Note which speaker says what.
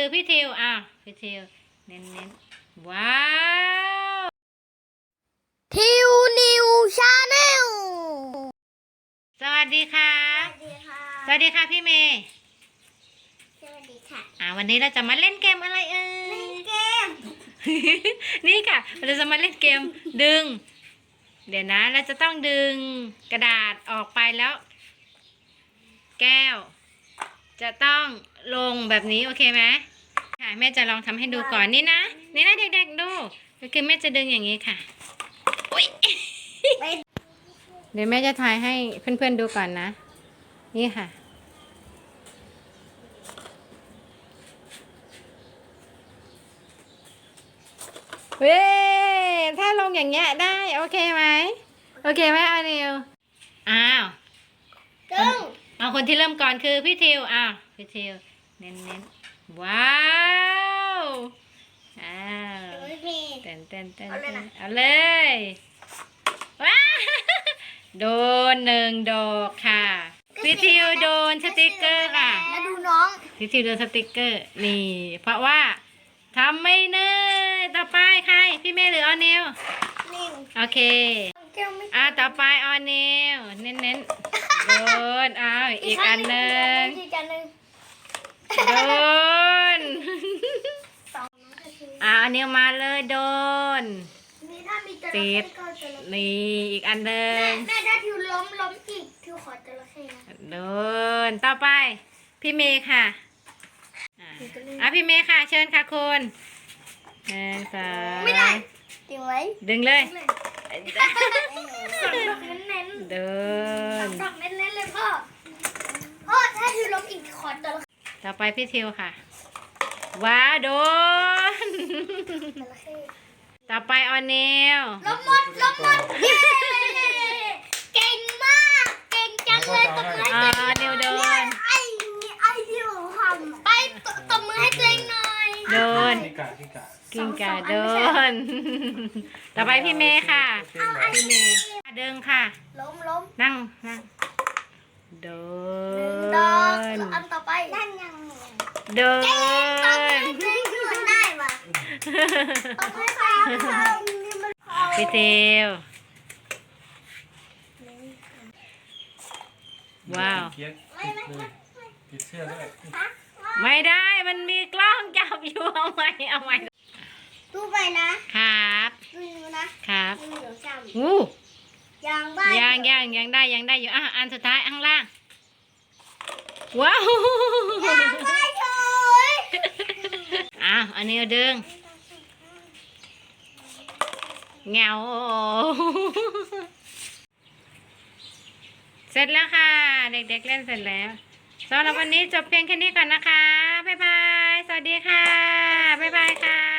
Speaker 1: พี่ทิวอ้าวพี่ทิวเน้นว้าว
Speaker 2: ทิวนิวชาแนล
Speaker 1: สวัสดีค่ะสวัสดีค่ะพี่เมย์
Speaker 2: สวัสดีค่ะ
Speaker 1: วันนี้เราจะมาเล่นเกมอะไรเอ่ย
Speaker 2: เล่นเกม
Speaker 1: นี่ค่ะเราจะมาเล่นเกมดึง เดี๋ยวนะเราจะต้องดึงกระดาษออกไปแล้ว แก้ว จะต้องลงแบบนี้โอเคไหมค่ะแม่จะลองทำให้ดูก่อนนี่นะเด็กๆดูก็คือแม่จะดึงอย่างนี้ค่ะอุ๊ย เดี๋ยวแม่จะถ่ายให้เพื่อนๆดูก่อนนะ นี่ค่ะเว้ถ้าลงอย่างเงี้ยได้โอเคไหมโอเคไหมเอานิวอ้าว
Speaker 2: ดึง
Speaker 1: เอาคนที่เริ่มก่อนคือพี่ทิวอ้าวพี่ทิวเน้นว้าวอ้าวเต้นเอาเลยว้าโดน1 ดอกค่ะพี่ทิวโดนสติกเกอร์ค่ะ
Speaker 2: แล้วดูน้อง
Speaker 1: พี่ทิวโดนสติกเกอร์นี่เพราะว่าทำไม่เนิ่นต่อไปใครพี่เมย์หรือออนิว
Speaker 2: นิว
Speaker 1: โอเค
Speaker 2: แก้วไม่
Speaker 1: ต่อไปออนิวเน้นโดนอีกอันหนึ่ง
Speaker 2: อีกอันหนึ่ง
Speaker 1: โดน
Speaker 2: สอง
Speaker 1: อันนี้มาเลยโดน
Speaker 2: นี่ถ้ามีจระ
Speaker 1: ติ
Speaker 2: เข้
Speaker 1: ด
Speaker 2: ก็จระเข้
Speaker 1: นี่อีกอันหนึ่ง
Speaker 2: แม่ถ้าทิวล้มอีกทิวขอจระเข้นะ
Speaker 1: โดนต่อไปพี่เมย์ค่ะพี่เมย์ค่ะเชิญค่ะคุณ1 2
Speaker 2: ไม่ได้ติวไว้
Speaker 1: ดึงเลย
Speaker 2: สองดอกเน้น
Speaker 1: โด
Speaker 2: ๆสอน งดอกเน้นๆเลยพ่อถ้าทิวล้มอีกขอจระเข้
Speaker 1: ต่อไปพี่ทิวค่ะว้าวโดน ต่อไปออนเนล
Speaker 2: ล้มหมดเย้เก่งมากเก่งจังเลยตบมือให้ตัวเอง
Speaker 1: เนลโดน
Speaker 2: ไอ้ที่ผมทำไปตบมือให้ตัวเองหน่อย
Speaker 1: โดน
Speaker 3: กิ้งก่า
Speaker 1: กิ้งก่าโดน ต่อไปพี่เมย์ค่ะ พี่เมย์ดึงค่ะ
Speaker 2: ล้ม
Speaker 1: นั่งโด
Speaker 2: หนึ่งดอก
Speaker 1: น
Speaker 2: อันต่อไปนั่นยัง
Speaker 1: โดน
Speaker 2: เจ๊เหมือนได้ป่ะตบให้ใครนี่มัน
Speaker 1: พี่เทวว้าว
Speaker 3: เกียร์ติดเลยติดเสื้อด้วย
Speaker 1: ไม่ได้มันมีกล้องจับอยู่เอาใหม่
Speaker 2: ดูไปนะครับ ดูนะครับ ดูเดี๋ยวจำ
Speaker 1: อู้
Speaker 2: ยังบ้า
Speaker 1: ยังได้อยู่อันสุดท้ายข้างล่างว้าว
Speaker 2: ยังไม่เฉย
Speaker 1: อันนี้ดึงเงาเสร็จแล้วค่ะ เด็กๆเล่นเสร็จแล้วสำหรับวันนี้จบเพียงแค่นี้ก่อนนะคะบ๊ายบายสวัสดีค่ะบ๊ายบายค่ะ